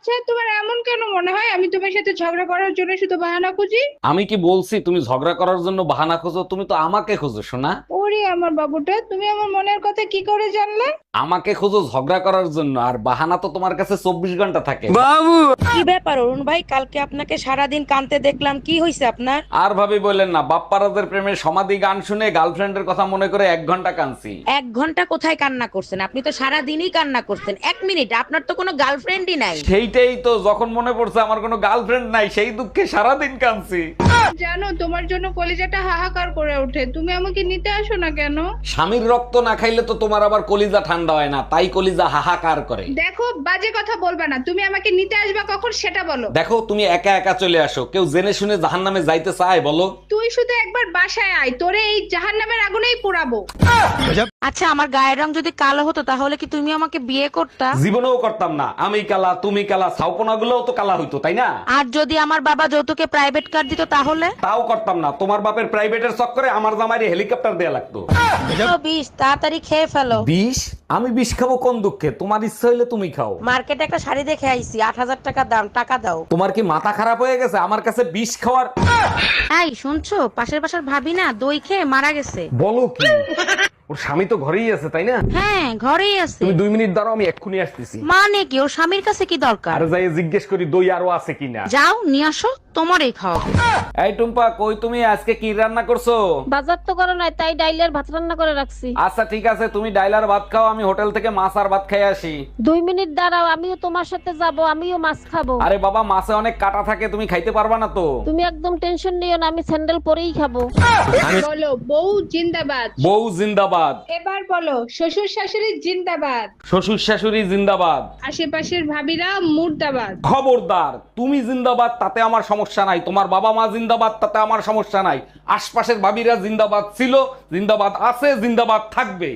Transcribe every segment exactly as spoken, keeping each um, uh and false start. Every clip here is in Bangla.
আচ্ছা, তোমার এমন কেন মনে হয় আমি তোমার সাথে ঝগড়া করার জন্য শুধু বাহানা খুঁজি? আমি কি বলছি তুমি ঝগড়া করার জন্য বাহানা খোঁজো? তুমি তো আমাকে খোঁজো শোনা। ওরে আমার বাবুটা, তুমি আমার মনের কথা কি করে জানলে? আমাকে খোঁজো ঝগড়া করার জন্য, আর বাহানা তো তোমার কাছে চব্বিশ ঘন্টা থাকে। কি ব্যাপার অরুণ ভাই, কালকে আপনাকে সারাদিন কানতে দেখলাম, কি হয়েছে আপনার? আর ভাবি বললেন না, বাপ্পারাজের প্রেমের সমাধি গান শুনে গার্লফ্রেন্ডের কথা মনে করে এক ঘন্টা কাঁদছি। এক ঘন্টা কোথায় কান্না করছেন? আপনি তো সারা দিনই কান্না করছেন। এক মিনিট, আপনার তো কোনো গার্লফ্রেন্ডই নাই। সেইটাই তো, যখন মনে পড়ছে আমার কোনো গার্লফ্রেন্ড নাই সেই দুঃখে সারাদিন কাঁদছি। জানো, তোমার জন্য কলিজাটা হাহাকার করে ওঠে। তুমি আমাকে নিতে আসো না কেন? স্বামীর রক্ত না খাইলে তো তোমার আবার কলিজা ঠান্ডা হয় না, তাই কলিজা হাহাকার করে। দেখো, বাজে কথা বলবা না। তুমি আমাকে নিতে আসবা কখন সেটা বলো। দেখো, তুমি একা একা চলে আসো, কেউ জেনে শুনে জাহান্নামে যাইতে চায় বলো? তুই শুধু একবার বাসায় আয়, তোরে এই জাহান্নামের আগুনেই পোড়াবো। আচ্ছা, আমার গায়ের রং যদি কালো হতো তাহলে কি তুমি আমাকে বিয়ে করতা? জীবনেও করতাম না। আমি কালা, তুমি কালা, ছাউপনা গুলোও তো কালা হইতো, তাই না? আর যদি আমার বাবা যৌতুকে প্রাইভেট কার দিত তাহলে? তাও করতাম না। তোমার বাপের প্রাইভেটের চক্করে আমার জামাইরে হেলিকপ্টার দেয়া লাগতো। তো বিষ তাড়াতাড়ি খেয়ে ফেলো। বিষ? আমি বিষ খাবো কোন দুঃখে? তোমার ইচ্ছা হইলে তুমি খাও। মার্কেটে একটা শাড়ি দেখে আইছি, আট হাজার টাকা দাম, টাকা দাও। তোমার কি মাথা খারাপ হয়ে গেছে আমার কাছে বিষ খাওয়ার? এই শুনছো, পাশের বাসার ভাবি না দই খেয়ে মারা গেছে। বলো কি? ওর স্বামী তো ঘরেই আছে, তাই না? হ্যাঁ, ঘরেই আছে। তুমি দুই মিনিট দাঁড়াও, আমি এক্ষুনি আসতেছি। মানে কি, ওর স্বামীর কাছে কি দরকার? আর যাই জিজ্ঞেস করি দই আরো আছে কিনা। যাও নিয়ে আসো, তোমারই খাওয়াবো। এই টুম্পা, কই তুমি? আজকে কি রান্না করছো? বাজার তো করো নাই, তাই ডাইলের ভাত রান্না করে রাখছি। আচ্ছা ঠিক আছে, তুমি ডাইলার ভাত খাও, আমি হোটেল থেকে মাছ আর ভাত খাই আসি। দুই মিনিট দাঁড়াও, আমিও তোমার সাথে যাব, আমিও মাছ খাবো। আরে বাবা, মাছে অনেক কাটা থাকে, তুমি খাইতে পারবা না তো। তুমি একদম টেনশন নিও না, আমি স্যান্ডেল পরেই খাবো। বলো বউ জিন্দাবাদ। বউ জিন্দাবাদ। এবার বলো শ্বশুর শাশুড়ি জিন্দাবাদ। শ্বশুর শাশুড়ি জিন্দাবাদ। আশেপাশের ভাবিরা মুর্দাবাদ। খবরদার, তুমি জিন্দাবাদ তাতে আমার সমস্যা নাই, তোমার বাবা মা জিন্দাবাদ তাতে আমার সমস্যা নাই, আশপাশের ভাবিরা জিন্দাবাদ ছিল, জিন্দাবাদ আছে, জিন্দাবাদ থাকবে।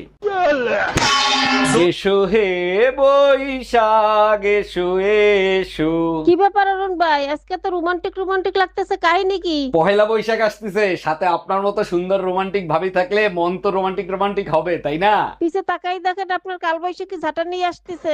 এসো হে বৈশাখ এসো এসো। কি ব্যাপার অরুণ ভাই, আজকে তো রোমান্টিক রোমান্টিক লাগতেছে, কাহিনী কি? পহেলা বৈশাখ আসতেছে, সাথে আপনার মতো সুন্দর রোমান্টিক ভাবি থাকলে মন তো রোমান্টিক রোমান্টিক হবে, তাই না? পিছে তাকাই দেখেন, আপনার কালবৈশাখী ঝাঁটা নিয়ে আসতেছে।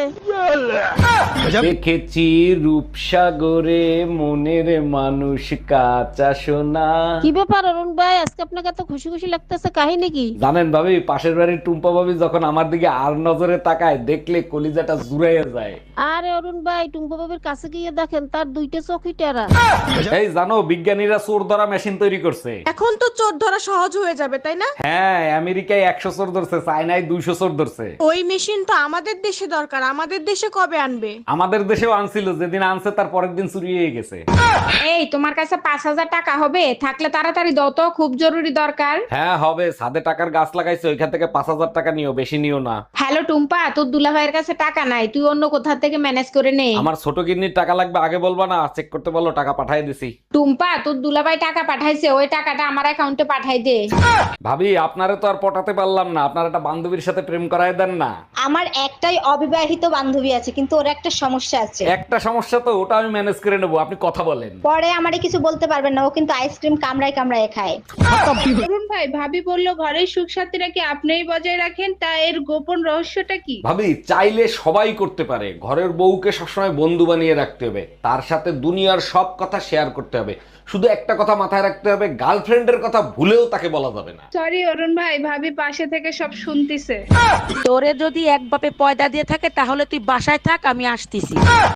দেখেছি রূপসাগরে মনের মানুষ কাঁচা সোনা। কি ব্যাপার অরুণ ভাই, আজকে আপনাকে এত খুশি খুশি লাগতেছে, কাহিনী কি? জানেন ভাবি, পাশের বাড়ির টুম্পা ভাবি যখন আমার দিকে আর নজরে তাকায়, দেখলে কলিজাটা জুড়াইয়া যায়। আরে অরুণ ভাই, টুম্পা বাবির কাছে গিয়ে দেখেন তার দুইটা চোখই টেরা। এই জানো, বিজ্ঞানীরা চোর ধরা মেশিন তৈরি করছে। এখন তো চোর ধরা সহজ হয়ে যাবে, তাই না? হ্যাঁ, আমেরিকায় একশো চোর ধরছে, চায়নায় দুইশো চোর ধরছে। ওই মেশিন তো আমাদের দেশে দরকার, আমাদের দেশে কবে আনবে? আমাদের দেশেও আনছিল, যেদিন আনছে তার পরের দিন চুরি হয়ে গেছে। এই, তোমার কাছে পাঁচ হাজার টাকা হবে? থাকলে তাড়াতাড়ি দাও তো, খুব জরুরি দরকার। হ্যাঁ হবে, ছাদে টাকার গাছ লাগাইছে, ওইখান থেকে পাঁচ হাজার টাকা নিও, বেশি নিও না। হ্যালো টুম্পা, তোর দুলাভাইয়ের কাছে টাকা নাই, তুই অন্য কোথা থেকে ম্যানেজ করে নে। আমার ছোট কিডনির টাকা লাগবে, আগে বলবা না? চেক করতে বলো, টাকা পাঠাই দিছি। টুম্পা, তোর দুলাভাই টাকা পাঠাইছে, ওই টাকাটা আমার অ্যাকাউন্টে পাঠাই দে। ভাবি, আপনারে তো আর পটাতে পারলাম না, আপনার একটা বান্ধবীর সাথে প্রেম করায় দেন না। আমার একটাই অবিবাহিত বান্ধবী আছে, কিন্তু ওর একটা সমস্যা আছে। একটা সমস্যা তো, ওটা আমি ম্যানেজ করে নেবো, আপনি কথা বলেন। পরে আমারে কিছু বলতে পারবেন না, ও কিন্তু আইসক্রিম কামড়ায় কামড়ায় খায়। অরুণ ভাই, ভাবি বললো ঘরের সুখ শান্তিটা কি আপনিই বজায় রাখেন, তা এর গোপন রহস্যটা কি? ভাবি, চাইলে সবাই করতে পারে। ঘরের বউকে সবসময় বন্ধু বানিয়ে রাখতে হবে, তার সাথে দুনিয়ার সব কথা শেয়ার করতে হবে। শুধু একটা কথা মাথায় রাখতে হবে, গার্লফ্রেন্ডের কথা ভুলেও তাকে বলা যাবে না। সরি অরুণ ভাই, ভাবি পাশে থেকে সব শুনতিছে। তোরে যদি এক বাপে পয়দা দিয়ে থাকে তাহলে তুই বাসায় থাক, আমি আসতেছি।